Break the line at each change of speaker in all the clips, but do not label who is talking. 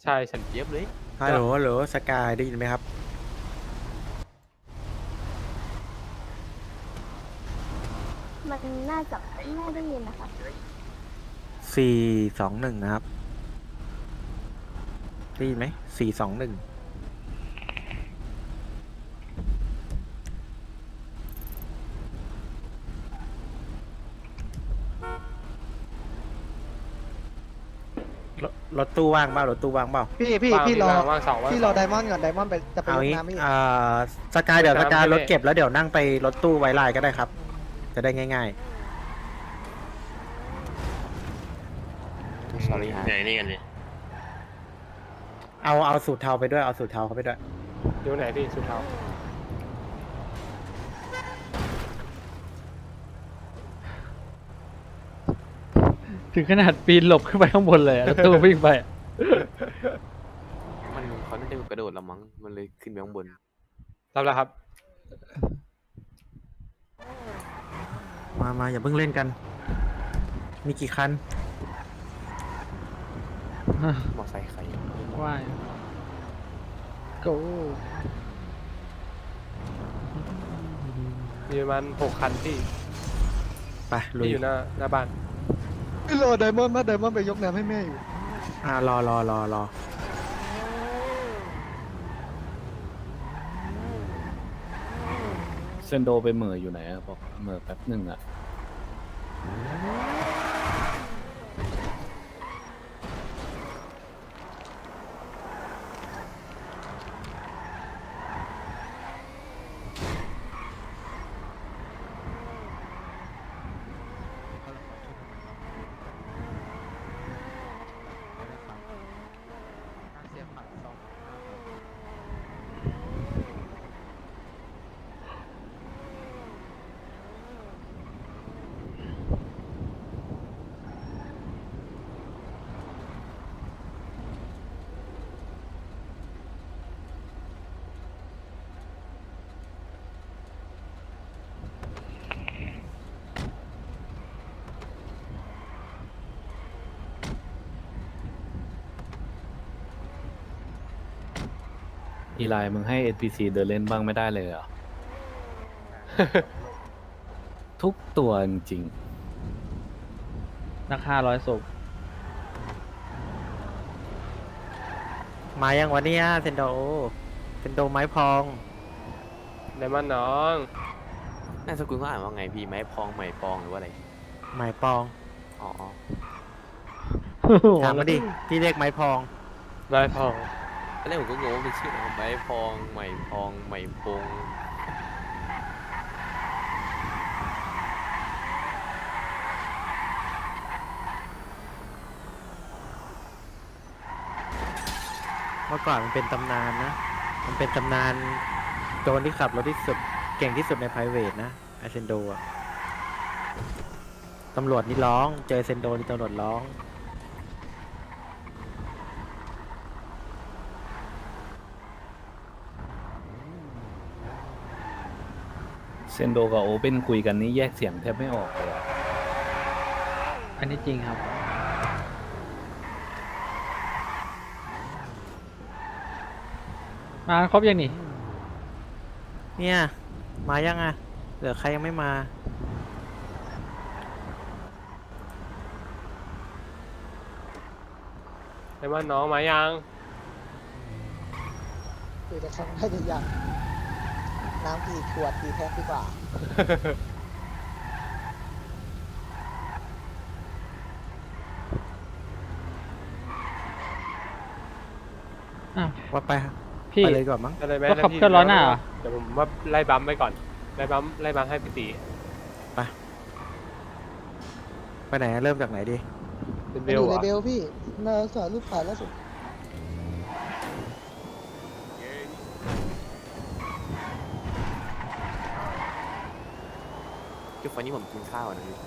ใช่ฉันเจี๊ยบเลย
ฮัลโหลฮัลโหลสกายได้ยินไหมครับ
มันน่าจะไม่ได้ยินนะคะ
421นะครับได้ยินไหม421รถตู้ว่างเปล่ารถตู้ว่างเปล่า
พี่รอ
ว่างสองว่าง
พี่รอไดมอนด์ก่อนไดมอนด์ไปจะไป
เอา
ยก
งี้
น้ำพี่
สกายเดี๋ยวสกาย
ไม่
รถเก็บแล้วเดี๋ยวนั่งไปรถตู้ไวไลน์ก็ได้ครับ จะได้ง่าย
สอรี่ฮะ
ไหนนี่กันดิ
ๆ เอาสูตรเทาไปด้วยเอาสูตรเทาเขาไปด้วย
ดูไหนพี่สุดเท้า
ถึงขนาดปีนหลบขึ้นไปข้างบนเลยอะแล้วตู้วิ่งไปอะ
มันเขาน่าจะกระโดดละมั้ง มันเลยขึ้นไปข้างบน
รับแล้วครับ
มาอย่าเพิ่งเล่นกัน มีกี่คัน
มอไซค์ใคร
ว่ายโก
มีประมาณ6 คันที่
ไปลุย
ที่อยู่หน้าบ้าน
พี่รอไดมอนด์มาไดมอนด์ไปยกน้ำให้แม่อยู่
รอ
เซนโดไปเหม่ออยู่ไหนอะบอกเหม่อแป๊บหนึ่งอะ อีไลน์มึงให้ NPC เดินเล่นบ้างไม่ได้เลยเหรอ ทุกตัวจริง
นัก500ศพ
มายังวันนี้เซนโดไม้พอง
ไดมอนด์น้อง
น่าสกุลเขาอ่านว่าไงพี่ ไม้พอง ไหมปองหรือว่าอะไร
ไม้ปอง
อ๋อ
ถามมาดิพี่เรียกไม้พอง
นายพอง
ตอนแรกผมก็งงว่าเป็นชื่ออะไรไม้พอง ไหมพอง ไหมปง
เมื่อก่อนมันเป็นตำนานนะ มันเป็นตำนานโจรที่ขับรถที่สุดเก่งที่สุดใน private นะไอเซนโดอะตำรวจนี่ร้อง เจอเซนโดนี่ตำรวจร้อง
ๆ เซนโดกับโอเปนคุยกันนี่แยกเสียงแทบไม่ออกเลยอะ
อันนี้จริงครับ มาครบยังนี่
เนี่ย มายังอะเหลือใครยังไม่มา
ไดมอนด์น้องมายัง
คือจะทำให้ได้ยังน้ำกี่ขวดกี่แพ็คดีกว่า
อ้าว
ว่าไป
พี่
ไปเลยก่อนมั้ง
อะไรไหม
ก็ขับเคลื่อนล้อหน้าเหรอ
เดี๋ยวผมว่าไล่บัมไปก่อน ไล่บัมให้พี่ตี
ไปไหนเริ่มจากไหนดี
เป็นเบ
มัน
ล
อยู่
เหร
ใน
อ
เบลพี่นาสารรูปถ่ายล่าสุด
จุดไฟนี้ผมกินข้าวนะพี่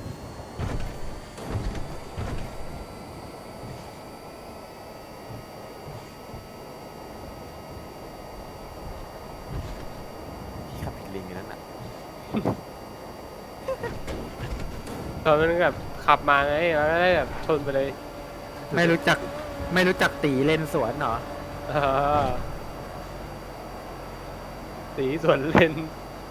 พี่ขับผิดเลนกันนั่นน่ะ
ตอนนั้นแบบขับมาไงแล้วก็ได้แบบชนไปเลย
ไม่รู้จักไม่รู้จักตีเลนสวนเหรอ
เออสีสวนเลน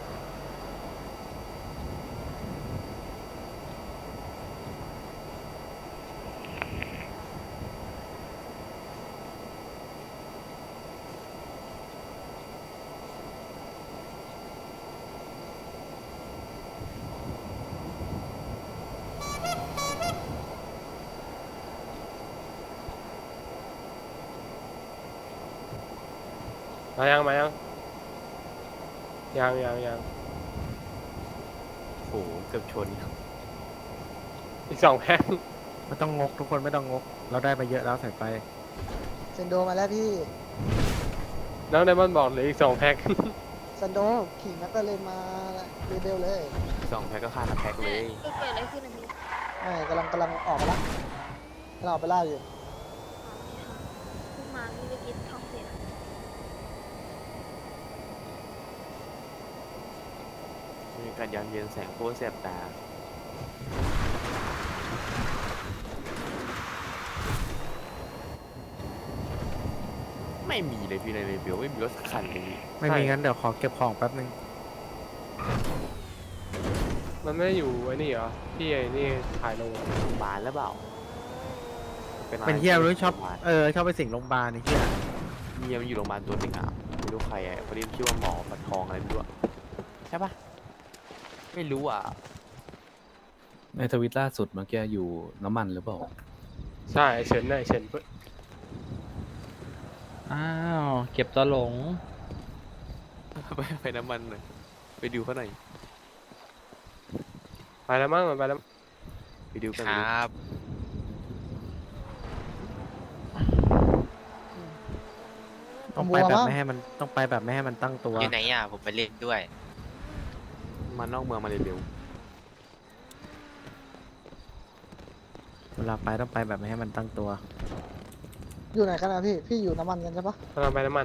มายังยัง
โอ้โหเกือบชน
อีก2 แพ็ค
ไม่ต้องงกทุกคนไม่ต้องงก เราได้ไปเยอะแล้วใส่ไป
เซนโดมาแล้วพี่
น้องไดมอนด์บอกเหลืออีก2 แพ็ค
เซนโดขี่นักก็เลยมาเรเบลเลย
2 แพ็คก็ค่าละแพ็คเลย
เกิดอะไรขึ้นนะพี่
ไม่กำลังออกมาละเราออกไปล่าอยู่
เพิ่งมาพี่เมื่อกี้ท้องเสีย
มีการย้อนเย็นแสงโคตรแสบตา ไม่มีเลยพี่ในเรเบลไม่มีรถสักคันเลย
ไม่มีงั้นเดี๋ยวขอเก็บของแป๊บนึง
มันไม่ได้อยู่ไอ้นี่เหรอที่ไอ้นี่ถ่ายลง
โรงพยาบาลแล้วเปล่า
เป็นเฮียรู้ชอบ
โรงพยาบาล
ชอบไปสิงโรงพยาบาลนี่เฮีย
เมียมันอยู่โรงพยาบาลตัวหนึ่งอ่ะไม่รู้ใครอ่ะเขาเรียกชื่อว่าหมอปะทองอะไรไม่รู้อะใช่ปะไม่รู้อ่ะ
ในทวิตล่าสุดเมื่อกี้อยู่น้ำมันหรือเปล่า
ใช่ไอ้เฉินน่ะไอ้เฉิน
อ้าว เก็บตัวหลง
ไปน้ำมันหน่อยไปดูเขาหน่อย
ไปแล้วมั้งมันไปแล้ว
ไปดูกัน
ครับ
ต้องไปแบบไม่ให้มันต้องไปแบบไม่ให้มันตั้งตัว
อยู่ไหนอ่ะ ผมไปเล่นด้วย
มานอกเมืองมาเร็ว
เวลาไปต้องไปแบบไม่ให้มันตั้งตัว
อยู่ไหนกันนะพี่อยู่น้ำมันกันใช่ปะ
กำลังไปน้ำมัน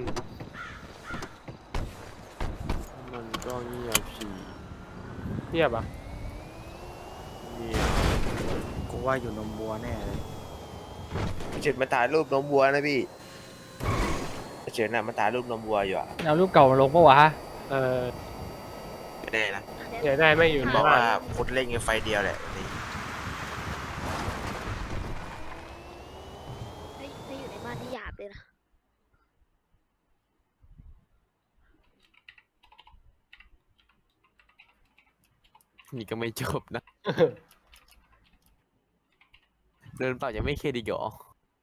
ๆมันก็เงียบฉี่
เงียบอ่ะ
เงียบ
กูว่าอยู่นมบัวแน่เลย
เฉินมาถ่ายรูปนมวัวนะพี่เฉินน่ะมาถ่ายรูปนมวัวอยู่อ่ะ
เอารูปเก่ามาลงปะวะ
เออ
ไม่ได้นะ
อยากได้ไม่อยู่
มัน
ใน
บอก
บ้า
ว่าน คนเล่นกันไฟเดียวแหละนี่
ถ้าอยู่ในบ้านที่หยาบเลยนะ
นี่ก็ไม่จบนะ เดินเปล่ายังไม่เครดิตหรอ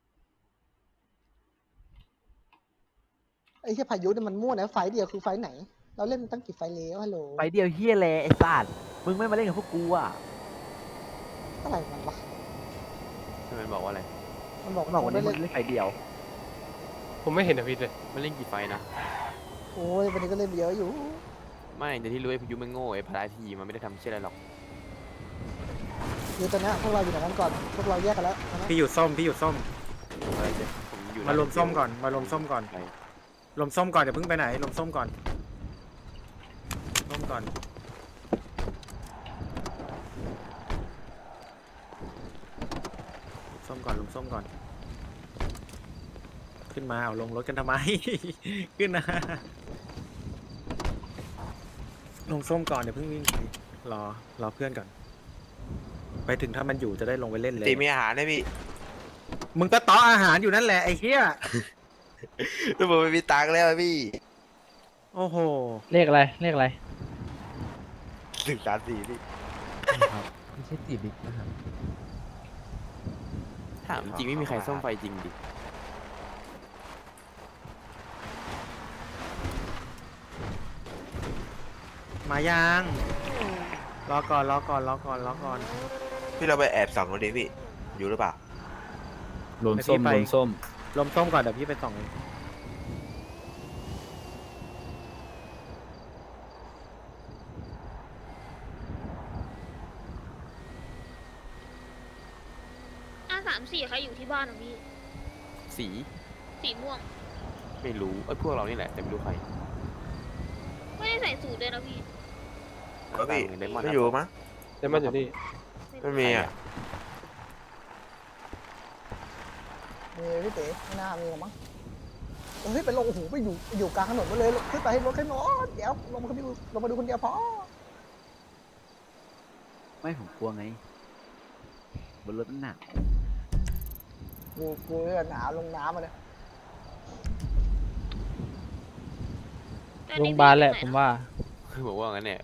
ไอ้ที่พายุเนี่ยมันมั่วนะไฟเดียวคือไฟไหน เราเล่นตั้งกี่ไฟแล้วฮัลโหล
ไปเดียวเฮียแลไอ้สัตว์มึงไม่มาเล่นกับพวกกูอ่ะ
อะไรมันวะ
มันบอกว่าอะไร
มันบอก
บอกวันนี้
ได้
มึ
เล่น
งเล่นไฟเดียว
ผมไม่เห็นอภิษเลย
มันเล่นกี่ไฟนะ
โอ้ยวันนี้ก็เล่นเยอะอยู่
ไม่แต่ที่รู้ไอ้พายุมันโง่ไอ้พาราทีมันไม่ได้ทำเช่นอะไรหรอก
คือตอนเนี้ยพวกเราอยู่ไหนกันก่อนพวกเราแยกกันแล้วนะ
พี่อยู่ส้มพี่อยู่ส้ม
อะไรเจ๊ผมอยู่
มารวมส้มก่อนมารวมส้มก่อน
ไป
รวมส้มก่อนอย่าเพิ่งไปไหนรวมส้มก่อนส้มก่อนส้มก่อนรวมส้มก่อน ขึ้นมาเอาลงรถกันทำไม ขึ้นนะลงส้มก่อนเดี๋ยวเพิ่งวิ่งไปรอเพื่อนก่อน ไปถึงถ้ามันอยู่จะได้ลงไปเล่นเลย
ตีมีอาหารนะพี่
มึงก็ต่ออาหารอยู่นั่นแหละไอ้เหี้ย
แล้วผมไม่มีตังค์แล้วอะพี่
โอ้โห
เลขอะไร เลขอะไร
134พี่
ไม่ใช่ตีบิ๊กนะครับ
ถามจริงไม่มีใครซ่อมไฟจริงดิ
มายังรอก่อนรอก่อนรอก่อนรอก่อน
พี่เราไปแอบส่องดูดิพี่ อยู่หรือเปล่า
รวมส้ม
ไป
รวมส้ม
รวมส้มก่อนเดี๋ยวพี่ไปส่องเอง
3-4ใครอยู่ที่บ้านของพี่
สี
สีม่วง
ไม่รู้ไอ้ยพวกเรานี่แหละแต่ไม่รู้ใคร
ไม่ได้ใส่สูทเลยนะพี่
ก็พี่
ไดมอนด์
ไม่อยู่มั้ง
ไดมอนด์อยู่นี่
ไม่มีอ่ะ
ไมีพี่เต๋ไม่น่ามีหรอกมั้งเฮ้ยไปลงโอ้โหไปอยู่กลางถนนมาเลยขึ้นไปให้รถขึ้นรถเดี๋ยวลงมาดูคนเดียวพอ
ไม่ผมกลัวไงบนรถมันหนาว
กูเนี่ยหนาวลงน้ำมาเลย
โรงพยาบาลแหละผมว่า
คือบอกว่างั้นเนี่ย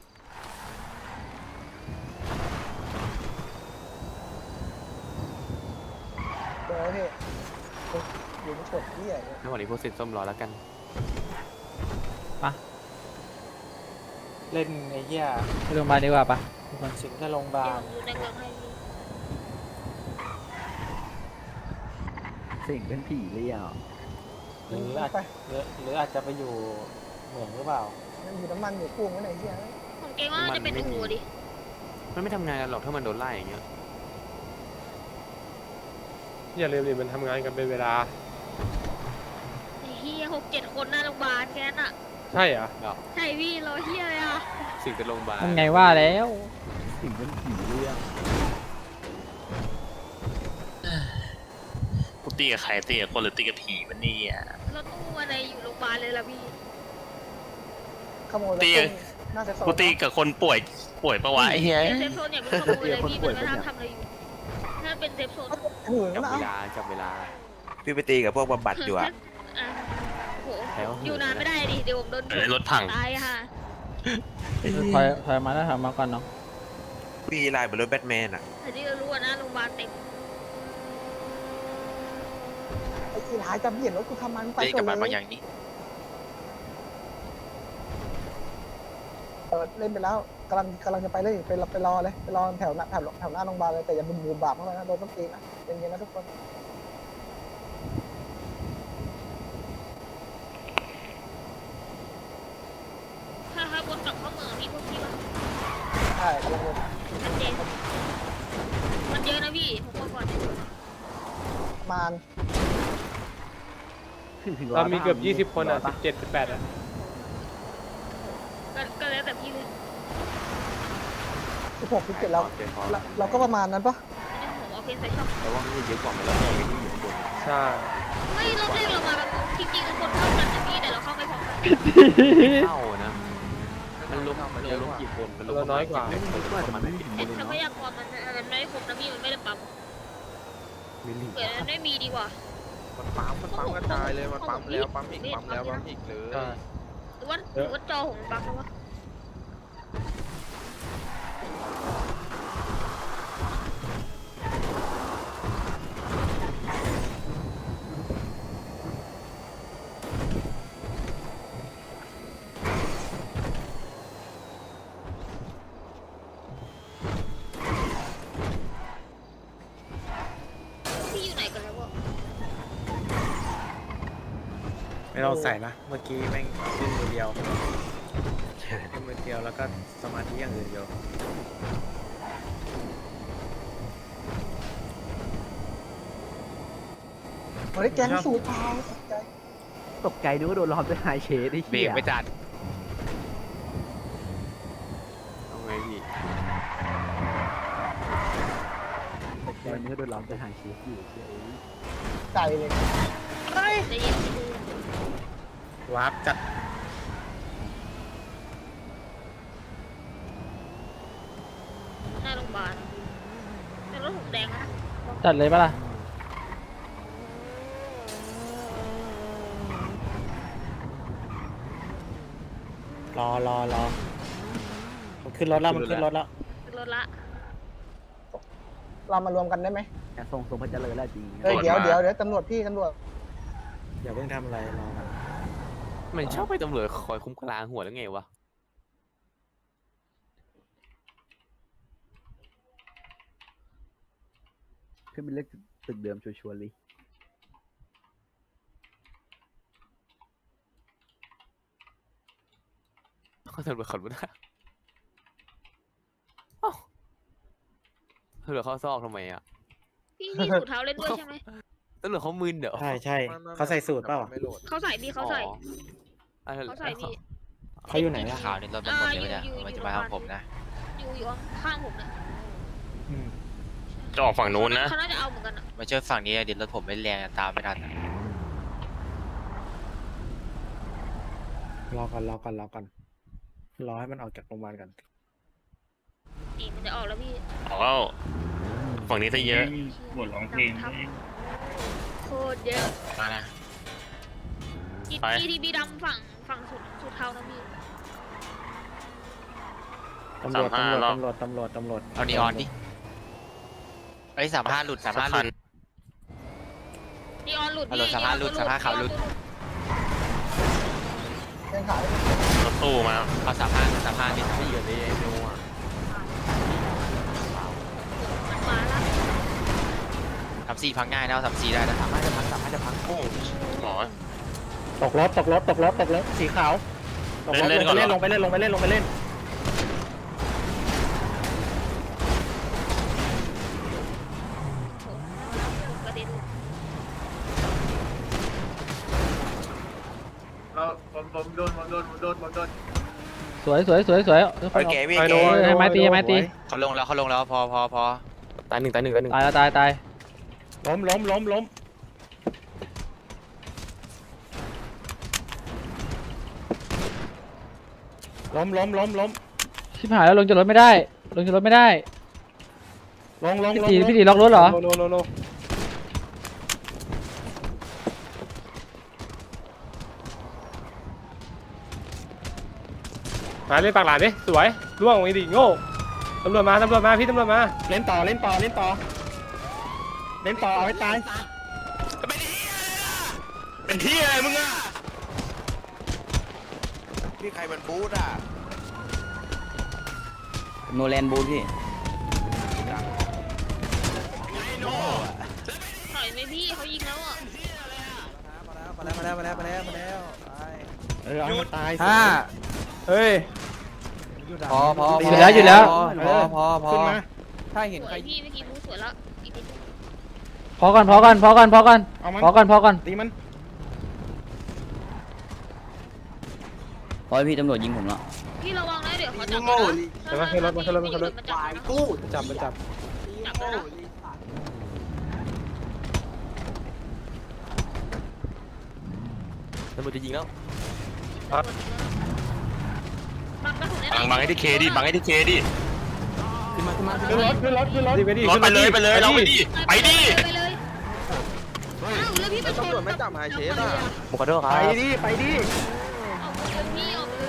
เดี๋ยวพี่อยู่ในฉดที่ใหญ่
ถ้าวันนี้พวกเซ็นส้มรอแล้วกัน
เล่นไอ้เหี้ย
ไปโรงพยาบาลดีกว่าปะทุกคน
สิงห์ทะลงบาล
อยู่ในเมืองให้พี่
เสิ่งเป็นผีเลยอ่ะ
หรืออาจหรืออาจจะไปอยู่เหมืองหรือเปล่า
มันอยู่น้ำมันอยู่กุ้งไว้ไหนเหี้ย
ผมเกรงว่าจะเป็นตำรวจดิ
มันไม่ทำงานกันหรอกถ้ามันโดนไล่อย่างเงี้ย
อย่าลืมดิมันทำงานกันเป็นเวลา
ไอ้เฮีย6-7 คนหน้าโรงพยาบาลแค่นั้นอ่ะ
ใช่เหรอ
ใช่พี่รอเฮียเลยอ่ะ
สิ่งเป็นโรงพยาบาล
ทำไงว่าแล้ว
สิ่งเป็นผีเลยอ่ะ
กูตีกับใครตีกับคนหรือตีกับผีมันนี่อ่ะ
รถตู้อะไรอยู่โรงพยาบาลเลยล่ะพี่
ขโมย
ตี
น่าจะ
กูตีกับคนป่วยปะวะไอ้เหี้ย
เซฟโซนอย่าเพิ่งขโมยเลยพี่มันไม่ทำอะไรอยู่ถ้าเป็นเซฟโซน
หืน
จับ
มา
เวลาจับเวลา
พี่ไปตีกับพวกบำบัดอยู่อะ
อ่ะโห
แล้ว
อยู่นานไม่ได้ดิเดี๋ยวผมโดน
เออรถพัง
ตายค่ะ
ถอยมาแล้วถอยมาก่อนเนาะ
พี่ลายเหมือนรถแบทแมนอะ
แต่ที่เรารู้ว่านะโรงพยาบาลเต็ม
ไอ้ที่หายจะเบียดรถกูทำมันไปก่อนเลยเล่นไปแล้วกำลังจะไปเลยไปรอเลยไปรอแถวหน้าโรงพยาบาลเลยแต่อย่าบูมบาปเข้าไปนะโดนต้นตีนนะเย็นๆนะทุกคน
ถ้าวนกลับเข้าเมืองพี่พวกพี่ว่า
ใช่กำลังวน
ชัดเจนมันเยอะนะพี่ผมบอกก่อน
ประมาณ
ถึง
เรามีเกือบ 20 คนอ่ะ 17 18อ่ะ
ก็แล้วแต่พี่เลย
16 17แล้วเราก็ประมาณนั้นปะ
ไม่ได้ผมเอาเพนใส่ช่อง
แต่ว่ามันเยอะกว่ามันแล้วไม่ที่อยู่ข้างบน
ใช่
ไม่รอบแรกเรามาแบบจริงๆคนเข้ากันนะพี่แต่เราเข้าไม่พร้อมกัน
เข้านะมันล้มกี่คนมันล้ม
เราน้อยกว่า
ประมาณไม่กี่
ไอ้ทรัพยากรมันไม่ได้ครบนะพี่มันไม่ได้ปั๊ม
มิลลิ
เผื่อมันไม่มีดีกว่า
มันปั๊มกระจายเลยมันปั๊มแล้วปั๊มอีกปั๊มแล้วปั๊มอีกเลย
ใช่
หรือว่าจอของปั๊มหรือว่า พี่อยู่ไหนกันแล้ววะ
ไม่ต้องใส่นะเมื่อกี้แม่งขึ้นมือเดียวขึ้นมือเดียวแล้วก็สมาธิอย่างอื่นเดียว
เฮ้ยแก๊งสูตรเปล่าใจ
ตกใจนึกว่าโดนล้อมด้วยไฮเชดไอ้
เบร
เหี้
ก
ย
ไม่จัดเอาไงพี่
ตกใจนึกว่าโดนล้อมด้วยไฮเชดอยู่เฉย
ใจเลย
จะเย็นจะดู
วาร์ปจัด
หน้าโรงพยาบาลแต่รถผมแดงนะ
จัดเลยปะล่ะ
รอมันขึ้นรถแล้วมันขึ้นรถแล้ว
ขึ้นรถละ
เรามารวมกันได้ไหม
แต่ทรงพระเจริญแล้วจริง
เฮ้ยเดี๋ยวตำรวจพี่ตำรวจ
อย่าเพิ่งทำอะไรรอมัน
มันชอบไปตำรวจคอยคุ้มกลางหัวแล้วไงวะ
ขึ้นเป็นเลขตึกเดิมชัวร์ๆเลย
เขาตำรวจขับรถนะเอ้าตำรวจเขาซอกทำไมอ่ะ
พี่สูทเท้าเล่นด้วยใช่ไหม
ตำรวจเขามึนเดี๋ยว
ใช่เขาใส่สูตรเปล่า
เขาใส่พี่เขาใส่ เขาใส่พี่
เขาอยู่ไหนอะ
ข่าวนี่รถมันหมดเลยเนี่ยมันจะมาเอาผมนะอยู่ข้างผมนะ
อืม
จะออกฝั่งนู้นนะ
เขาน่าจะเอาเหมือนกันอะ
มาช่วยฝั่งนี้เดี๋ยวรถผมไม่แรงตามไม่ทัน
รอก่อนรอให้มันออกจากโรงพยาบาลก่อน
นี่มันจะออกแล้วพี่
ออกแล้วฝั่งนี้ซะเยอะ
บทร้องเพลงโคตรเยอะ
มานะ
อีทีบีดำฝั่งสุดเทานะพี่
ตำรวจ
เอานีออนดิไอ้35หลุด35หลุด
นีออนหลุด
เอาหลุดสภาพหลุดสภาพขาวหลุด
ยังขาย
รถตู้มา
เอา35นี่ไม่เหลือเลยไอ้โน่อะ
มันมาแล้ว
34พังง่ายนะเอา34ได้นะ
มันจะพังสัมภาษณ์จะพัง
โอ้หมอ
ตกรถสีขาวตกรถ
เล่นก่อนเหรอ
ลงไปเล่น
กระเด็น
สวย
โอเคพี่
ไป
เก
โดน
ให้ไม้ตี
เขาลงแล้วพอ
ตายหนึ่ง
ตายแล้วตาย
ล้ม
ชิบหายแล้วลงจากรถไม่ได้ลงพี่ตีล็อกรถเหรอ
โลมาเล่นปากหลานดิสวยล่วงไอ้ดิโง่ตำรวจมาพี่ตำรวจมา
เล่นต่อเอาให้ตาย
เป็นที่อะไรมึงอ่ะพี่ใครมันบูธอ่ะ
โนแลนบูพี่
ถอยไหมพี่เขายิงแล้วอ่ะ
มาแล้วไป
เอาให้ตาย
เฮ้ย
พอ
หยุดแล้ว
พอ
ขึ้นมา
ถ้าเห็น
ส
ใคร
วยพี่เมื่อกี้มูสวยแล้วอีกนิดนึง
พอก่อน
เอามัน
ตีมัน
พอพี่ตำรวจยิงผมแล้ว
พี่ระวังนะเดี๋ยวเขาจับ
เดี๋ยวมาขึ้นรถมาจับ
จับแล้วนะ
ตำรวจจะยิงแล้ว
บังกระสุน
บังให้ที่เคดิบังให้ที่เคดิ
ขึ้นรถ
ดีไปดิ
รถไปเลยเราไปดิไปดิ
ไปเลยอ้าวแล้วพี่ไปชน
ตำรวจไม่จับหายเชฟอ่ะ
ผมขอโทษครับ
ไปดิ
ออกไปเลยพี่ออกไป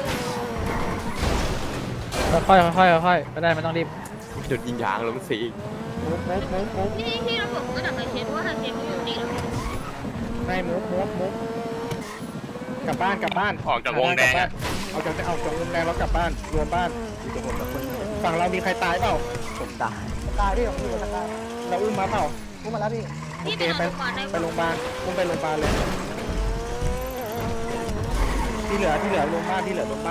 เลย
ค่อยไม่ได้ไม่ต้องรีบ
จุดยิงยางลงสี
พี่เราผมก็ดักไอเชฟเพราะว่าไอเชฟเขาอยู่นี่แล้ว
ไม่มุกกลับบ้าน
ออกจากวงแดงอะ
เอาจากวงแดงแล้วกลับบ้านรวมบ้านฝั่งเรามีใครตายเปล่า
ผมตาย
ตายพี่ผมอยู่ตะกร้า
เราอุ้มมาเปล่า
พูดมาแล้วพี่
พี่ไปโรงพยาบาลได้
ไปโรงพยาบาลอุ้มไปโรงพยาบาลเลยที่เหลือโรงพยาบาล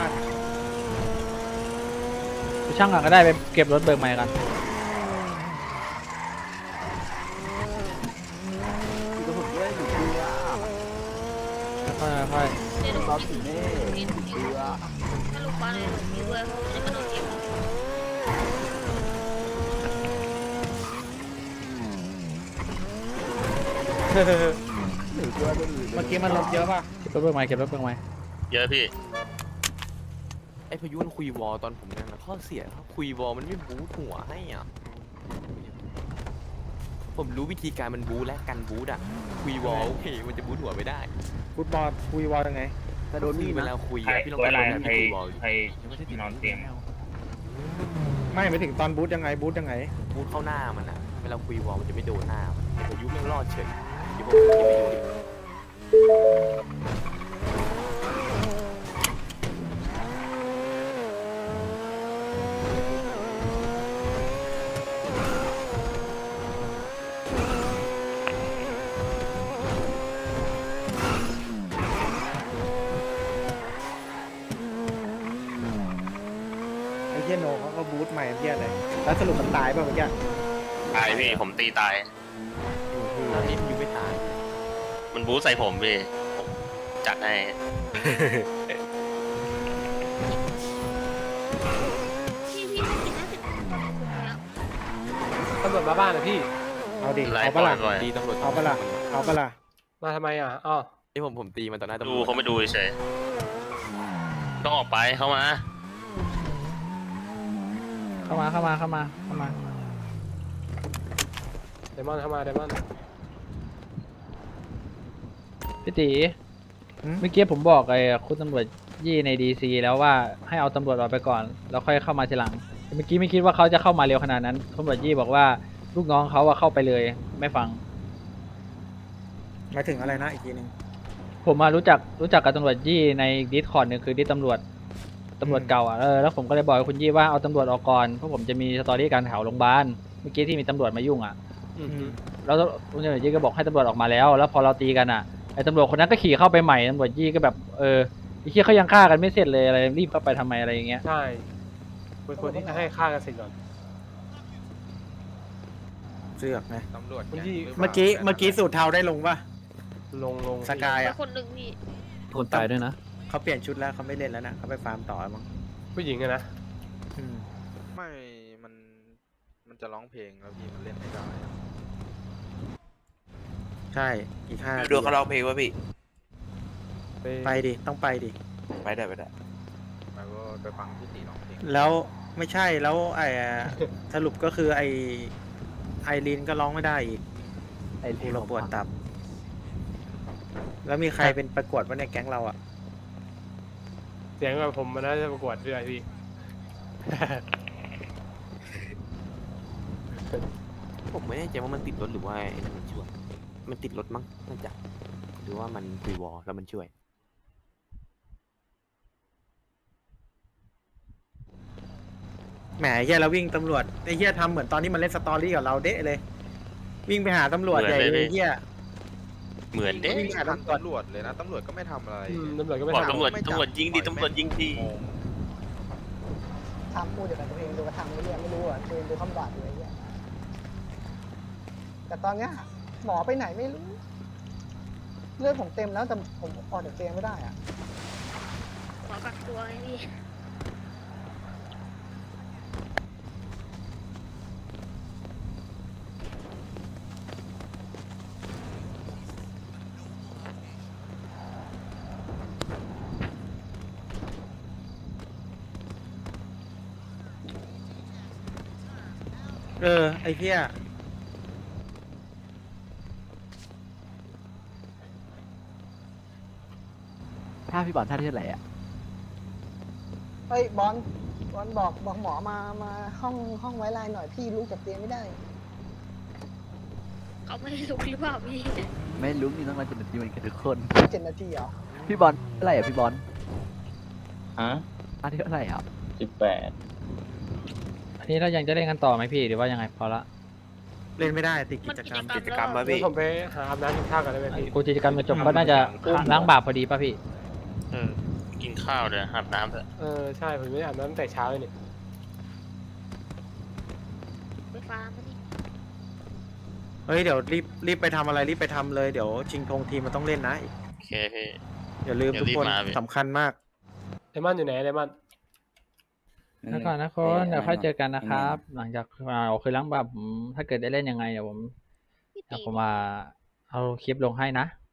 ไปช่างก่อนก็ได้ไปเก็บรถเบิกใหม่กันค่อย
เดี๋ยวเราถึงนี่ถ้าโรงพยาบาลเลยมีด้วยเขาจะกระโดดเก็บ
เมื่อกี้มันลบเยอะป่ะ
เก็บรถเบิกใหม่
เยอะพี่
ไอ้พายุมันคุยวอลตอนผมนั่งนะข้อเสียครับคุยวอลมันไม่บูทหัวให้อ่ะผมรู้วิธีการมันบูทและกันบูทอ่ะคุยวอลโอเคมันจะบูทหัวไม่ได้
ฟุตบอลคุยวอลยังไง
แต่โดนมีด
เวลา
นะ
คุยอะพี่ลองไปคุยคุยวอล
นอนเตียง
ไม่ไปถึงตอนบูธยังไง
บูทเข้าหน้ามันอ่ะเวลาคุยวอลมันจะไม่โดนหน้ามันพายุไม่รอดเฉยเดี๋ยวผมจะไปดู
ไอ้เหี้ยโนเขาก็บูธใหม่เหี้ยเลยแล้วสรุปมันตายป่ะเมื่อกี้
ตายพี่ผมตีตาย
ตอนนี้พายุไม่ตาย
มันบู๊ใส่ผมพี่ผมจัดให้
พี่50
ตำรวจมาบ้านนะพี่
เอาดิ
ไล่
เอา
ปล่
ปะ
อย
ล่ะ
ปล่อย
ตีตำรวจ
เอาปะล่ะเอาปะล่ะ
มาทำไมอ่ะอ้อ
ที่ผมตีมันต่อหน้าตำรวจ
ดูเขาไม่ดูเฉยต้องออกไปเข้ามา
เข้ามาเข้ามาเข้ามาเข้ามา
เดมอนเข้ามาเดมอน
พี่ตีเมื่อกี้ผมบอกไอ้คุณตำรวจยี่ในดีซีแล้วว่าให้เอาตำรวจออกไปก่อนแล้วค่อยเข้ามาทีหลังแต่เมื่อกี้ไม่คิดว่าเขาจะเข้ามาเร็วขนาดนั้นตำรวจยี่บอกว่าลูกน้องเขาอะเข้าไปเลยไม่ฟัง
หมายถึงอะไรนะอีกทีหนึง
ผมมารู้จักกับตำรวจยี่ในดิสคอร์ดหนึ่งคือดิสตำรวจเก่าอ่ะแล้วผมก็เลยบอกให้คุณยี่ว่าเอาตำรวจออกก่อนเพราะผมจะมีสตอรี่การแถวโรงพยาบาลเมื่อกี้ที่มีตำรวจมายุ่งอ่ะ
อือฮึ
แล้วคุณตำรวจยี่ก็บอกให้ตำรวจออกมาแล้วพอเราตีกันอ่ะไอ้ตำรวจคนนั้นก็ขี่เข้าไปใหม่ตำรวจยี่ก็แบบไอ้เหี้ยเขายังฆ่ากันไม่เสร็จเลยอะไรรีบเข้าไปทำไมอะไรอย่างเงี้ย
ใช่ควรที่จะให้ฆ่ากันเสร็จก่อน
เสือกนะ
ตำรวจ
คุณยี่
เมื่อกี้สูตรเทาได้ลงป่ะ
ลง
สกาย
แต่
อ่ะ
คนหนึ่งพี่
คนตายด้วยนะ
เขาเปลี่ยนชุดแล้วเขาไม่เล่นแล้วนะเขาไปฟาร์มต่อแล้วมั้ง
ผู้หญิงอะนะ
อืม
ไม่มันจะร้องเพลงแล้วพี่มันเล่นไม่ได้
ใช่อีก5
ดูเขาร้องเพลงวะพี่
ไปดิต้องไปดิ
ไปได้ไปได้
ไปก็ไปฟังพี่ตีร้องเพลง
แล้วไม่ใช่แล้วสรุปก็คือไอรีนก็ร้องไม่ได้อีก
ไอ้
กู
ที่
เราปวดตับ แล้วมีใครเป็นประกวดว่าในแก๊งเราอ่ะ
เสียงแบบผมมันน่าจะประกวดด้วยพี่
ผมไม่แน่ใจว่ามันติดรถหรือว่าไอ้นั่นมันช่วย มันติดรถมั้งน่าจะหรือว่ามันคุยวอลแล้วมันช่วย
แหมเฮียแล้ววิ่งตำรวจไอ้เฮียทำเหมือนตอนที่มันเล่นสตอรี่กับเราเดะเลย วิ่งไปหาตำรวจใหญ่เลยเฮีย
เหมือนเด้
วิ่งหาตำรวจ
เลยนะตำรวจก็ไม่ทำอะไร
ตำรวจก็ไม่
บอก
ทำ
ตำรวจยิงดิตำรวจยิงดิ
ทำพูดเดี๋ยวกับตัวเองดูกระทำไม่เรียนไม่รู้อ่ะตัวเองดูคำบาดอยู่ไอ้เงี้ยแต่ตอนเนี้ยหมอไปไหนไม่รู้เลือดผมเต็มแล้วแต่ผมออกจากเตียงไม่ได้อ่ะ
ขอกักตัวไงพี่
ไอ้เฮีย
ถ้าพี่บอลท่าที่เท่าไหร่อ่ะ
เฮ้ยบอลบอกหมอมาห้องไว้ไลน์หน่อยพี่ลุกจากเตียงไม่ได้
เขาไม่ได้ลุกหรือเปล่าพี่
ไม่รู้นี่ต้องมา7 นาทีเหมือนกันทุกคน
7 นาทีเหรอ
พี่บอลเท่าไหร่อ่ะพี่บอล
ฮะ
ท่าที่เท่าไหร่อ่ะ
18
อันนี้เรายังจะเล่นกันต่อไหมพี่หรือว่ายังไงพอละ
เล่นไม่ได้ติดกิ
มัน
จ
กิ
กรรม
จกรรม
กิจกรรม
แล้ว
มาพี่
ผมไปหาอาบน้ำกินข้าวกันได้ไหมพี่
กูกิจกรรมมาจบก็น่าจะล้างบาปพอดีป่ะพี่
กินข้าวเดี๋ยวอาบน้ำเถอะ
ใช่ผมไม่ได้อาบน้ำตั้งแต่เช้าเลยนี่
ไปฟาร์มมาดิ
เฮ้ยเดี๋ยวรีบไปทำอะไรรีบไปทำเลยเดี๋ยวชิงธงทีมมันต้องเล่นนะ
โอเคพี่
อย่าลืม
เดี๋ยว
ทุกคน
รีบมาพี่
สำคัญมาก
เดมอนอยู่ไหนเดมอน
แล้วก่อนนะคนเดี๋ยวค่อยเจอกันนะครับ หลังจากคือล้างบาปผมถ้าเกิดได้เล่นยังไงเดี๋ยวผม
พี่
เดี๋
ตี
ยวผมมาเอาคลิปลงให้นะ